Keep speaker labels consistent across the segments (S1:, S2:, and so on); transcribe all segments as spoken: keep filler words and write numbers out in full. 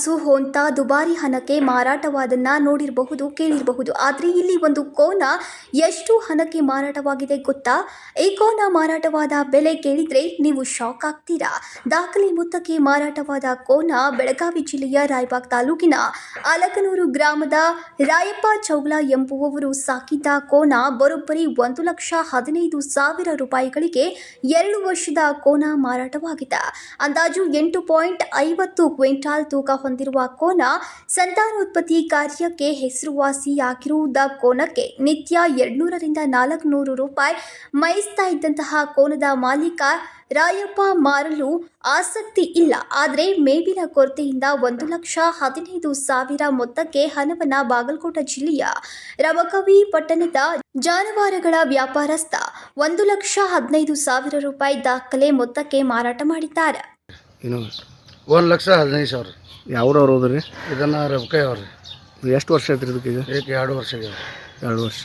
S1: ಹಸು ಹೊಂತ ದುಬಾರಿ ಹಣಕ್ಕೆ ಮಾರಾಟವಾದನ್ನ ನೋಡಿರಬಹುದು, ಕೇಳಿರಬಹುದು. ಆದರೆ ಇಲ್ಲಿ ಒಂದು ಕೋನ ಎಷ್ಟು ಹಣಕ್ಕೆ ಮಾರಾಟವಾಗಿದೆ ಗೊತ್ತಾ? ಈ ಕೋನ ಮಾರಾಟವಾದ ಬೆಲೆ ಕೇಳಿದ್ರೆ ನೀವು ಶಾಕ್ ಆಗ್ತೀರಾ. ದಾಖಲೆ ಮೊತ್ತಕ್ಕೆ ಮಾರಾಟವಾದ ಕೋನ ಬೆಳಗಾವಿ ಜಿಲ್ಲೆಯ ರಾಯಬಾಗ್ ತಾಲೂಕಿನ ಅಲಕನೂರು ಗ್ರಾಮದ ರಾಯಪ್ಪ ಚೌಗ್ಲ ಎಂಬುವವರು ಸಾಕಿದ್ದ ಕೋನ ಬರೋಬ್ಬರಿ ಒಂದು ಲಕ್ಷ ಹದಿನೈದು ಸಾವಿರ ರೂಪಾಯಿಗಳಿಗೆ ಎರಡು ವರ್ಷದ ಕೋನ ಮಾರಾಟವಾಗಿದೆ. ಅಂದಾಜು ಎಂಟು ಪಾಯಿಂಟ್ ಐವತ್ತು ಕ್ವಿಂಟಾಲ್ ತೂಕ ಹೊಂದಿರುವ ಕೋನ ಸಂತಾನೋತ್ಪತ್ತಿ ಕಾರ್ಯಕ್ಕೆ ಹೆಸರುವಾಸಿಯಾಗಿರುವುದ ಕೋನಕ್ಕೆ ನಿತ್ಯ ಎರಡ್ನೂರರಿಂದ ನಾಲ್ಕುನೂರು ರೂಪಾಯಿ ಮೈಸ್ತಾ ಇದ್ದಂತಹ ಕೋನದ ಮಾಲೀಕ ರಾಯಪ್ಪ ಮಾರಲು ಆಸಕ್ತಿ ಇಲ್ಲ. ಆದರೆ ಮೇವಿನ ಕೊರತೆಯಿಂದ ಒಂದು ಲಕ್ಷ ಹದಿನೈದು ಸಾವಿರ ಮೊತ್ತಕ್ಕೆ ಹಣವನ್ನ ಬಾಗಲಕೋಟೆ ಜಿಲ್ಲೆಯ ರಬಕವಿ ಪಟ್ಟಣದ ಜಾನುವಾರುಗಳ ವ್ಯಾಪಾರಸ್ಥ ಒಂದು ಲಕ್ಷ ಹದಿನೈದು ಸಾವಿರ ರೂಪಾಯಿ ದಾಖಲೆ ಮೊತ್ತಕ್ಕೆ ಮಾರಾಟ ಮಾಡಿದ್ದಾರೆ.
S2: ಒಂದು ಲಕ್ಷ ಹದಿನೈದು ಸಾವಿರ.
S3: ಯಾವ್ರವ್ರು ಹೋದ್ರಿ?
S2: ಇದನ್ನು ರಬಕೈ ಅವ್ರಿ.
S3: ಎಷ್ಟು ವರ್ಷ ಆಯ್ತು ಇದಕ್ಕೆ? ಈಗ
S2: ಈಗ ಎರಡು ವರ್ಷ ಆಗ್ಯಾವ.
S3: ಎರಡು ವರ್ಷ.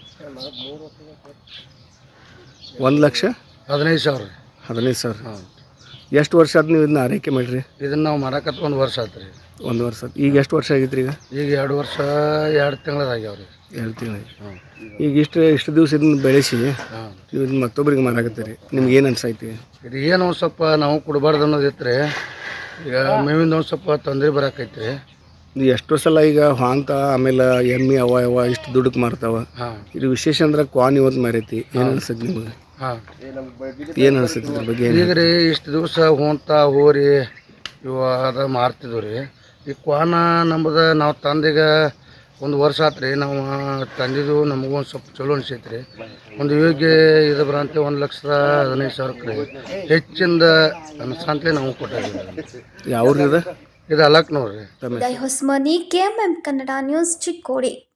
S3: ಒಂದು ಲಕ್ಷ
S2: ಹದಿನೈದು ಸಾವಿರ.
S3: ಹದಿನೈದು ಸಾವಿರ. ಹಾಂ. ಎಷ್ಟು ವರ್ಷ ಆಯ್ತು ನೀವು ಇದನ್ನ ಆರೈಕೆ ಮಾಡಿರಿ?
S2: ಇದನ್ನು ನಾವು ಮಾಡಕತ್ತ ಒಂದು ವರ್ಷ ಆಯ್ತು ರೀ.
S3: ಒಂದು ವರ್ಷ ಆಯ್ತು. ಈಗ ಎಷ್ಟು ವರ್ಷ ಆಗೈತ್ರಿ? ಈಗ
S2: ಈಗ ಎರಡು ವರ್ಷ ಎರಡು ತಿಂಗಳದಾಗ್ಯಾವ ರೀ.
S3: ಎರಡು ತಿಂಗಳಿಗೆ. ಹಾಂ. ಈಗ ಇಷ್ಟು ಇಷ್ಟು ದಿವಸ ಇದನ್ನ ಬೆಳೆಸಿ
S2: ಹಾಂ
S3: ನೀವು ಇದನ್ನ ಮತ್ತೊಬ್ಬರಿಗೆ ಮಾರಾಕತ್ತೀರಿ, ನಿಮ್ಗೆ ಏನು ಅನ್ಸೈತಿ?
S2: ಇದು ಏನು ಒಂದು ಸ್ವಲ್ಪ ನಾವು ಕೊಡಬಾರ್ದು ಅನ್ನೋದು ಇತ್ತು. ಈಗ ಮೇವಿಂದ ಒಂದು ಸ್ವಲ್ಪ ತೊಂದರೆ ಬರಾಕೈತ್ರಿ.
S3: ನೀವು ಎಷ್ಟೋ ಸಲ ಈಗ ಹಾಂತ ಆಮೇಲೆ ಎಮ್ಮೆ ಅವ ಅವ ಇಷ್ಟು ದುಡ್ಡಕ್ಕೆ ಮಾರ್ತಾವ.
S2: ಹಾಂ.
S3: ಇದು ವಿಶೇಷ ಅಂದ್ರೆ ಕ್ವಾನ್ ಇವತ್ತು ಮಾರೈತಿ. ಏನು ಅನ್ಸತ್ತೆ ನಿಮಗೆ?
S2: ಹಾಂ.
S3: ಏನು ಅನ್ಸತ್ತೆ ಇದ್ರ ಬಗ್ಗೆ?
S2: ಈಗ ರೀ ಇಷ್ಟು ದಿವಸ ಹೊಂತ ಹೋರಿ ಇವ ಅದ ಮಾರ್ತಿದ್ವು ರೀ. ಈ ಕ್ವಾನ ನಮ್ಮದು ನಾವು ತಂದೀಗ ಒಂದು ವರ್ಷ ಆತು ರೀ. ನಾವು ತಂದಿದ್ದು ನಮಗೂ ಒಂದು ಸ್ವಲ್ಪ ಚಲೋ ಅನ್ಸೈತೆ ರೀ. ಒಂದು ಯೋಗ್ಯ ಇದು ಬರಂತೆ ಒಂದು ಲಕ್ಷದ ಹದಿನೈದು ಸಾವಿರಕ್ಕೆ ರೀ ಹೆಚ್ಚಿಂದ ಅನ್ಸಂತಲೇ ನಾವು ಕೊಟ್ಟಿದ್ದೀವಿ.
S3: ಯಾವ್ದು ಇದು?
S2: ಇದು ಅಲಕ್ ನೋಡ್ರಿ.
S1: Hosmani, K M M Kannada news, Chikkodi.